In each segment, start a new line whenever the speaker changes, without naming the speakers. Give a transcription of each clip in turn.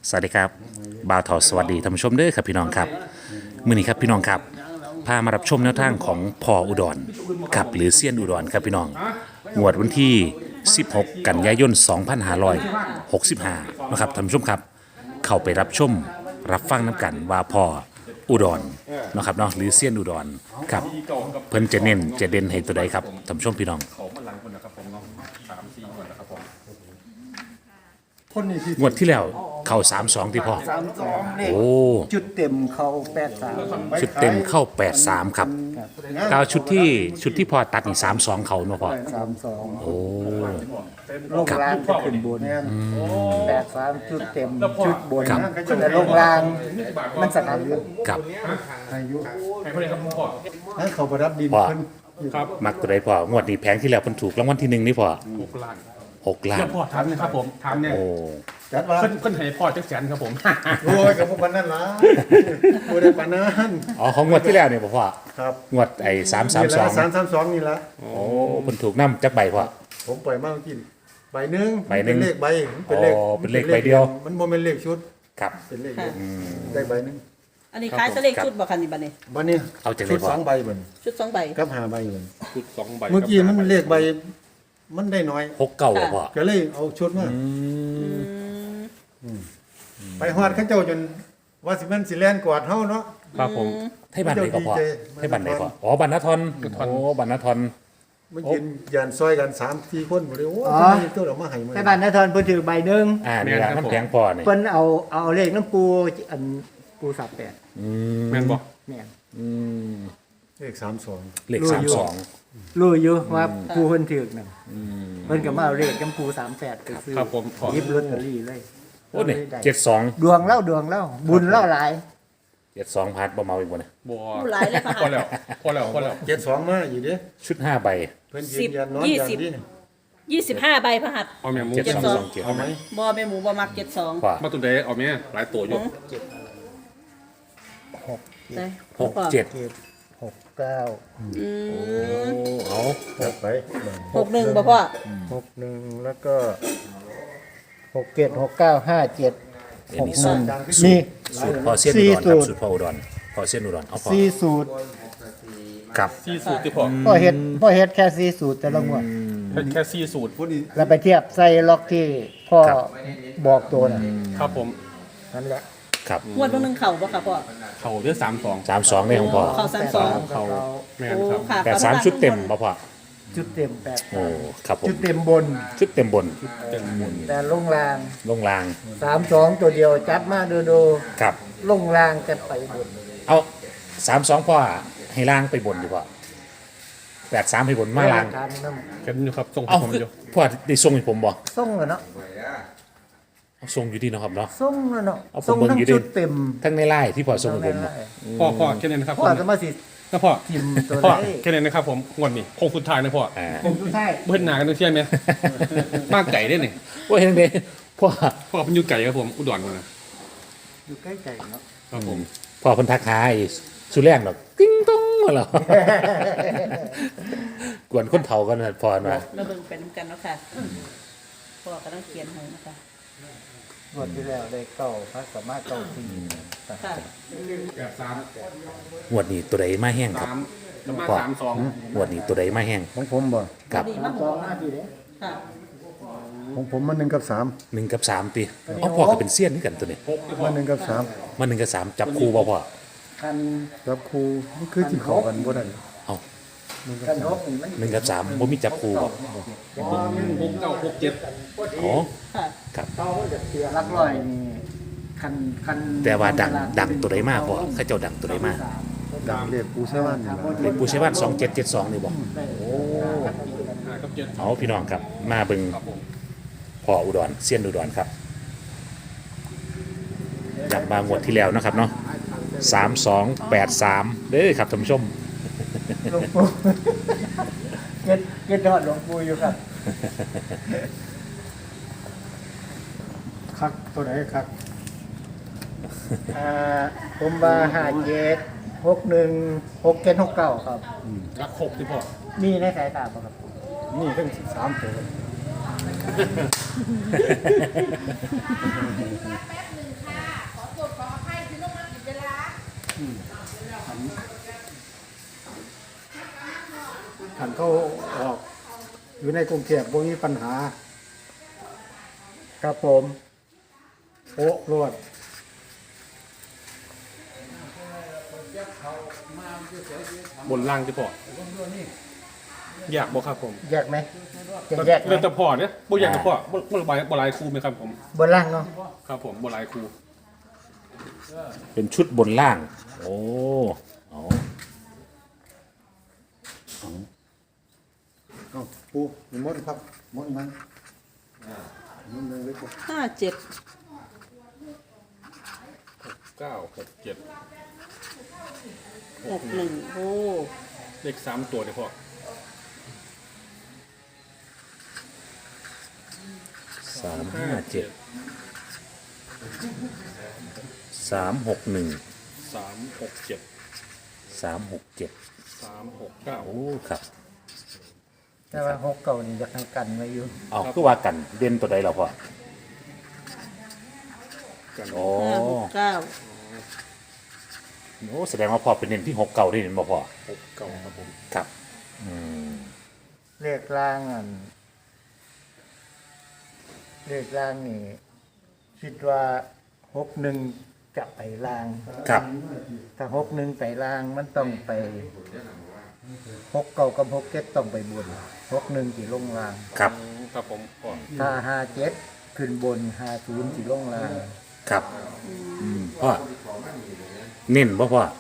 สวัสดีครับบ่าวทอสวัสดีท่านผู้ชมเด้อครับพี่น้องครับมื้อนี้ครับพี่น้องครับพามารับชมแนวทางของพ่ออุดรครับหรือเซียนอุดรครับพี่น้องงวดวันที่ 16 กันยายน 2565นะครับท่านผู้ชมครับเข้าไปรับชมรับฟังน้ำกันว่าพ่ออุดรนะครับเนาะหรือเซียนอุดรครับเพิ่นจะเน้นจะเด่นให้ตัวใดครับท่านผู้ชมพี่น้อง งวดที่แล้วเข้า3-2ที่พ่อ
32เลข
โอ้
จุดเต็มเขา83
ชุดเต็มเข้า83ครับกาวชุดที่พ่อตัดนี่32เขาเนาะพ่อ
32
โอ้
ลงล่างจะขึ้นบน83จุดเต็มจุดบน
ครับ
แต่ลงล่างมันสนับอยู่
กับ
อายุให้เขาประดับดิน
พ่อ
ขึ้น
ครับ
มักตัวใดพ่องวดนี้แพงที่แล้วเพิ่นถูกรางวัลที่1นี่พ่อ
6 ล้าน
6 ล้า
เดี๋
น
ยวพ่อทำนะครับผมทำเนี่ย
โอ้
จัดว่า
ขึ้นให้พ่อจักแสนครับผม
โอ้ยกับพวกมันนั่นล่ะบ่ได้ปานนั้น
อ๋อของงวดที่แล้วเนี่ยพ่อ
ครับ
งวดไอ้
นี่ละ
332
332นี่ละ
โอ้เพิ่นถูกนำจักใบพ่อ
ผมปล่อยมาเมื่อกี้ใบหนึง
ใบหนึ่ง
เป็นเลขใบเป็นเลข
อ๋อเป็นเลขใบเดียว
มันบ่แม่นเลขชุด
ครับ
เป็นเลขเดียวได้ใบหนึง
อันนี้ขายสเลขชุดบ่คันนี่บัดนี้
บัดนี้
เอาจังได๋
ชุด
พ่อ
2ใบบัดนี้
ชุด2ใบ
กับ5ใบบัดนี้
ชุด2 ใบ
เมื่อกี้มันเลขใบมันได้น้อย
6เก้าบ่พ่อ
ก็เลยเอาชุดมาไปฮอดเขาเจ้าจนว่าสิแม่นสิแล่นกวาดเฮาเนาะ
ครับผม
ให้บันใดก็พ่อ
เจ้าดีใจ
ให้บันใดพ่ออ๋อบันนทอนโอ้บันนทอน
มันยืนยันซอยกัน3-4คนบ่ได้โอ้
อ๋อ
ยตัวเรามาให้มา
แต่บ้านนายทอนเพิ่นถือใบหนึง
นี่ล่ะน้ำแข็งพ่อนี่
เพิ่นเอาเลขน้ำปูอันปูสับแปด
แม่นบ่
แม่น
เลข32
เลข32
รู้อยู่ว่าปูเพิ่นถือนั่นเพิ่นก็มาเอาเลขน้ำปู38ไปซื้อ
ครับผมพ่อ
หยิบลอตเตอรี่เลย
โอ้นี่
ได้
72
ดวงเล่าบุญเล่าหลาย
72พัดบ่เมาอีกบ่เนี่ย
บัว
ผู้หลายเลยค่ะ
พอแล้วพอแล้ว
72มาอยู่เด้
ชุด5ใบ
เพิ่นยืนยันนอนยันที่
25ใบพระหัตถ์
เอาแม่หมู
72
เอาไหม
บ่แม่หมูบ่มัก72
พ่อ
มาตัวใดเอาแม่หลายตัวอยู่
ได้
67
69
อืม
เอา
จัดไป
61บ่พ่อ
61แล้วก็67 69 57
อันนี้สูตร
มี
สูตรพ่อเสี้ยนอุดรครับสูตรพ่ออุดรพ่อเสี้ยนอุดรเอาพ่อ
4สูตร
กับ
4 สูตรที่พ่อ
พ่อเฮ็ดแค่4สูตรแต่ละงวด
เป็นแค่4 สูตร
ผู้นี้
แล้วไปเทียบใส่ล็อกที่พ่อบอกตัวน่ะ
ครับผม
นั่นแหละ
ครับ
งวดเบิ่งหนึงเข้าบ่ค่ะพ่อ
เข่าเด้วย32
32นี่ของพ่อ
เข้า32
เข่าแม่น
โอ้
ครับ
ค่ะ
83ชุดเต็มบ่พ่อ
จุดเต็ม8
โอ้ครับผม
จุดเต็มบน
ชุดเต็มบน
เต็มหมุน
แต่ลงราง
ลงราง
32 ตัวเดียวจับมาดู
ครับ
ลงรางจะไปบน
เอา32พ่อให้ล่างไปบนดีกว่า83ให้บนมาล่าง
ทานน้
กันอยู่ครับส่งให้
เอา
ผมอยู่
พ่อได้ส่งให้ผมบ่
ำส่งแล้วเนาะ
เอาส่งอยู่ดีเนาะครับเนาะ
ส่งแล้วเนาะ
เอาผม
ส่ง
เบิ่ง
ทั้ง
อยู่ดิ
ชุดเต็ม
ทั้งในไลน์ที่พ่อส่งให้ผมเนาะ
พ่อแค่นี้นะครับ
พ่อจะมาสิ
นะพ่อ
ทิมตัว
พ่อ
ไหน
แค่นี้นะครับผมงวดนี้คงสุดท้ายนะพ่อ
ผมทุกท่าย
เบิ่นหน้ากันเที่ยงไหมมากไก่ได้นี่
ว่าเห็นเด้พ่อ
พ่อเป็นอยู่ไก่ครับผมอุดรพุ่นน่ะ
อยู่ใกล้ใจเนาะ
ครับผม
พ่อเพิ่นทักหาไอ้สุแรงดอกติ้งต้องมาแล้ว กวนคนเฒ่ากันนะพ่อว่า
เราเบิ่งไปนํกันเนาะค่ะพ่อกำลังเขียนให้นะคะ
งวดที่แล้วได้เก้าพระสามารถเก้าที
ค่ะ
แบบ3
งวดนี้ตัวใดมาแห้งครับ
3แล้วมา
พ่อ
32
งวดนี้ตัวใดมาแห้ง
ของผมบ่
กับ
ดีมาก
สองหน้าทีเด้
ค่ะ
ของผมมัน1กับ3
1กับ3ติเอาพ่อก็เป็นเซียนนี่กันตัวนี้
มัน1กับ
มา1กับ3จับคู่บ่พ่อ
คัน
3รับครูมันคือสิเข้ากันบ่ได้
เอา
คันหกนี่มัน
1กับ3บ่มีจับคู่บ่
6967
อ๋อ
ค่ะ
ครับ
หลักร้อยนี่คัน
แต่ว่าดังตัวใดมาพ่อเขาเจ้าดังตัวใดมา
ดังเลขปูใช้ว่านนี่ล่ะ
เลขปูใช้บ้าน2772นี่บ่
กับ7
เอาพี่น้องครับมาเบิ่งพ่ออุดรเซียนอุดรครับจากบางงวดที่แล้วนะครับเนาะ3283เด้อครับท่านผู้ชม
หลวงปู่เก็ดอดหลวงปู่อยู่ครับ
คักตัวไหนคัก
ผมว่า57 61 67 69ครับ
รัก6ที่พ่อ
มีในสายตาบ่ครับ
นี่ทั้ง13ตัวเขาออก อยู่ในกรุงเทพบ่มีปัญหา ครับผมโอ้รวด
บนล่างที่พ่ออยากบอกครับผม
แยกไหมจะแยกไหม
เรื่องแต่พ่อเนี่ยบ่อยากแต่พ่อบ่ลายครูไหมครับผม
บนล่างเนาะ
ครับผมบ่ลายครู
เป็นชุดบนล่าง โอ้เอา
เอาปูมีมดครับมดมันมดเลยครับ
ห้าเจ็ด
9 6 7
61โอ้
เลข3ตัวเนี่ยพ่อ
357 361
3 6 7
367
3 6 9
โอ้ครับ
แต่ว่าหกเก่านี่จะให้กันไว้อยู่
เอาคือว่ากันเด่นตัวใดเราพ่อ
กัน
โอ้
569
โอ้แสดงว่าพ่อเป็นเน้นที่6เก่าได้เห็นบ่พ่อ
6 9ครับผม
ครับ
เลขล่างอันเลขล่างนี่คิดว่า61จะไปล่าง
ครับ
ถ้า61ไปล่างมันต้องไป6เก่ากับ6เจ็ดต้องไปบน61สิลงล่าง
ครับ
ครับผมพ่อ
ถ้า57ขึ้นบน50สิลงล่าง
ครับพ่อเน้นบ่พ่อ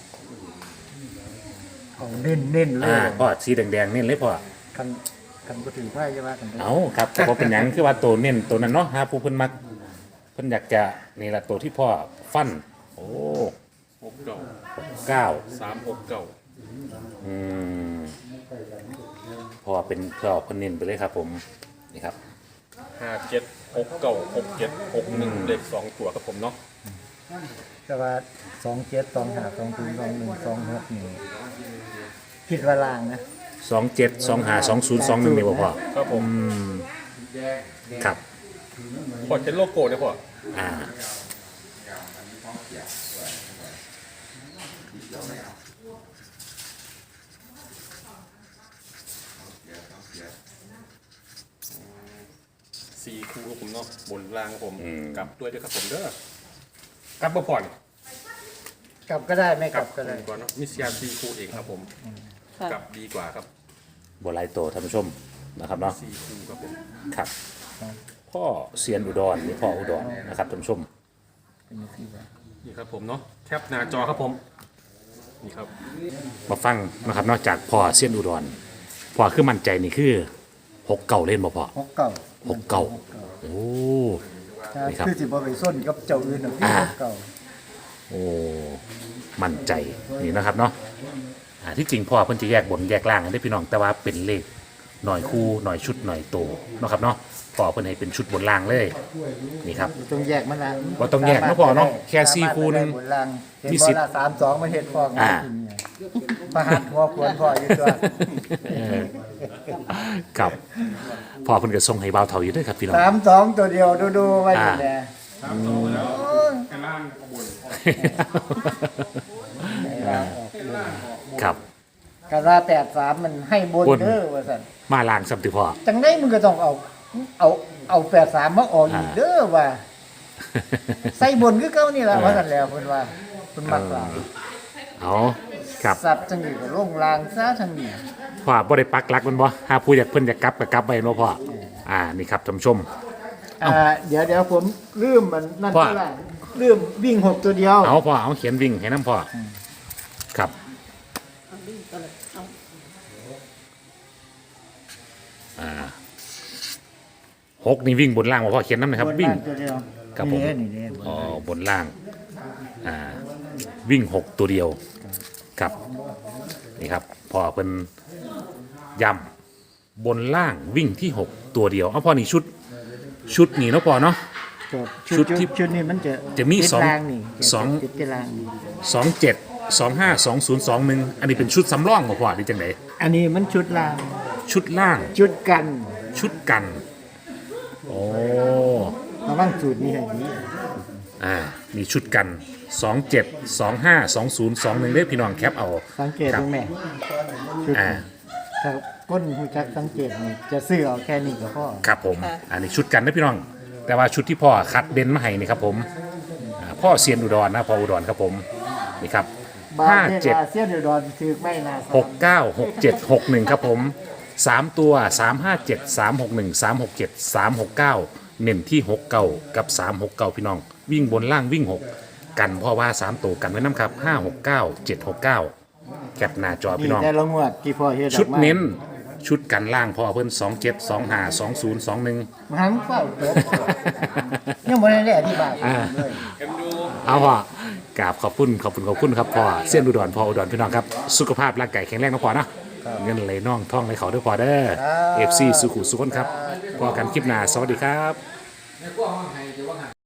เอาเน้นๆเล
อ่าย พ่อสีแดงๆเน้นเลยพ่อ
คันบ่ถือไพ่ใช่ว่ากัน
เอาครับแต่ว่าเป็นหยังคือว่าตัวเน้นตัวนั้นเนาะฮะผู้เพิ่นมักเพิ่นอยากจะนี่ละตัวที่พ่อฟัน โอ้
6 9
9
3 6 9
อืมพ่อเป็นเพื่อเพิ่นเน้นไปเลยครับ ผมนี่ครับ
5 7 6 9 6 7 6 1เลข2ตัวครับผมเนาะ
แต่ว่า27 25 20 21 26นี่คิดว่าล่างนะ
27 25 20 21นี่บ่พ่อ
ครับผม
ครับ
พ่อเห็นโลโก้เนี่ยพ่อ
อ่า
4คู่ครับผมเนาะบนล่างครับผมกลับด้วยครับผมเด้อกลับบ่ผ่อน
กลับก็ได้ไม่กลับก็ได้
ก่อนเนาะมีเสีย4คู่เองครับผม
ค่ะ
กลับดีกว่าครับ
บ่หลายตัวท่านผู้ชมนะครับเนาะ
4คู่ครับผม
ครับ พ่อเซียนอุดรนี่พ่ออุดรนะครับท่านผู้ชม
นี่ครับผมเนาะแคปหน้าจอครับผมนี่ครับ
มาฟังนะครับนอกจากพ่อเซียนอุดรพ่อคือมั่นใจนี่คือ6เก่าเล่นบ่พ่อ
6เก่า
6เก่าโอ้ นี่ครับ
คือสิบ่ไปส้นกับเจ้าอื่นน่ะคือ6เก่า
โอ้มั่นใจนี่นะครับเนาะที่จริงพ่อเพิ่นจะแยกบนแยกล่างกันได้พี่น้องแต่ว่าเป็นเลขหน่อยคู่หน่อยชุดหน่อยโตเนาะครับเนาะพ่อเพิ่นให้เป็นชุดบนล่างเลยนี่ครับ
ต้องแยกมันละ
บ่ต้องแยกเนาะพ่อเนาะแค่สี่คู่นึง
บนล่างเห็น
มี
บ่
สิทธิ์
ละ32มาเฮ็ดฟอง
อ่า
ประหัตหัวควรพ่ออยู่ตัว
ครับพ่อเพิ่นก็ส่งให้บ่าวเฒ่าอยู่เด้วยครับพี่น้อง
32ตัวเดียวดูๆไว้อยู่แล
ข้างล่างขบวน
ครับ
กะว่า83มันให้บน
บน
เด้อว่าซั่น
มาล่างสัมติพ่อ
จังได๋มึงก็ต้องเอา83มาออกอีกเด้อว่าใส่บนคือเก่านี่ล่ะว่าซั่นแล้วเพิ่นว่าเพิ่นมักหลาย
เอาครับ
สัตว์จังนี้ก็ลงลางซะจังนี้
พ่อบ่ได้ปักหลักมันบ่ถ้าผู้อยากเพิ่นอยากกลับก็กลับไปเนาะพ่อนี่ครับท่านผู้ชม
เดี๋ยวผมลืมมันนั่น
ว่า
ก็ล่ะลืมวิ่ง6ตัวเดียว
เอาพ่อเอาเขียนวิ่งให้น้ำพ่ออครับ
เอาดิ้นก็เลยเอา
6นี่วิ่งบนล่างบ่พ่อเขียนน้ำหนะครับ วิ่ง
บนล่าตัวเดียว
ครับผม
นี่
อ๋อบนล่างวิ่ง6ตัวเดียวครับนี่ครับพ่อเพิ่นย้ำบนล่างวิ่งที่ 6 ตัวเดียวเอาพ่อนี่ชุดนี่เนาะพ่อเนาะ
ครับ
ชุดที่
ชุดนี้มันจะ
มี
ติด
สอง
รางนี่
สอง
ติดที่รางนี่
27 25 20 21อันนี้เป็นชุดสำรองบ่พ่อหรือจังได
อันนี้มันชุดราง
ชุดล่าง
ชุดกัน
ชุดกัน โอ้
ระวังสูตรนี้ให้ดี
มีชุดกัน 27 25 20 21เด้อพี่น้องแคปเอา
สังเกต
ครั
ต
บ
รงแม่ชุด
อ่า
ครับ
ก้นหูจักสังเกตนี่จะซื้อเอาแค่นี้ก็พอ
ครับผมอันนี้ชุดกันนะพี่น้อง แต่ว่าชุดที่พ่อคัดเด่นมาให้นี่ครับผมพ่อเซียนอุดรนะพ่ออุดรครับผมนี่ครับ
บา
ห้า
ทเนี่ย
เจ็ด
อาเซียนเดือดอนถือไม่นา
696761ครับผม3ตัว357 361 367 369เน้นที่69กับ369พี่น้อง วิ่งบนล่างวิ่ง 6 กันเพราะว่า3ตัวกันไว้น้ำครับ569 769แคปหน้าจอพี่
นี่
น้อง
แต่ละงวดที่พ่อเฮ็ดออกมา
ชุดเน้นชุดกันล่างพ่อเพิ่น27 25 20 21
มันเฝ้าจบยังบ่ได้อธิบายเลย
เอาพ่อกราบขอบคุณครับพ่อเส้นอุดรพ่ออุดรพี่น้องครับสุขภาพร่างกายแข็งแรงนะพ่อนะเงินไหลน่องท่องไหลเขาด้วยพ่อเด้อ FC สุขุสุขคนครับพอกันคลิปหน้าสวัสดีครับ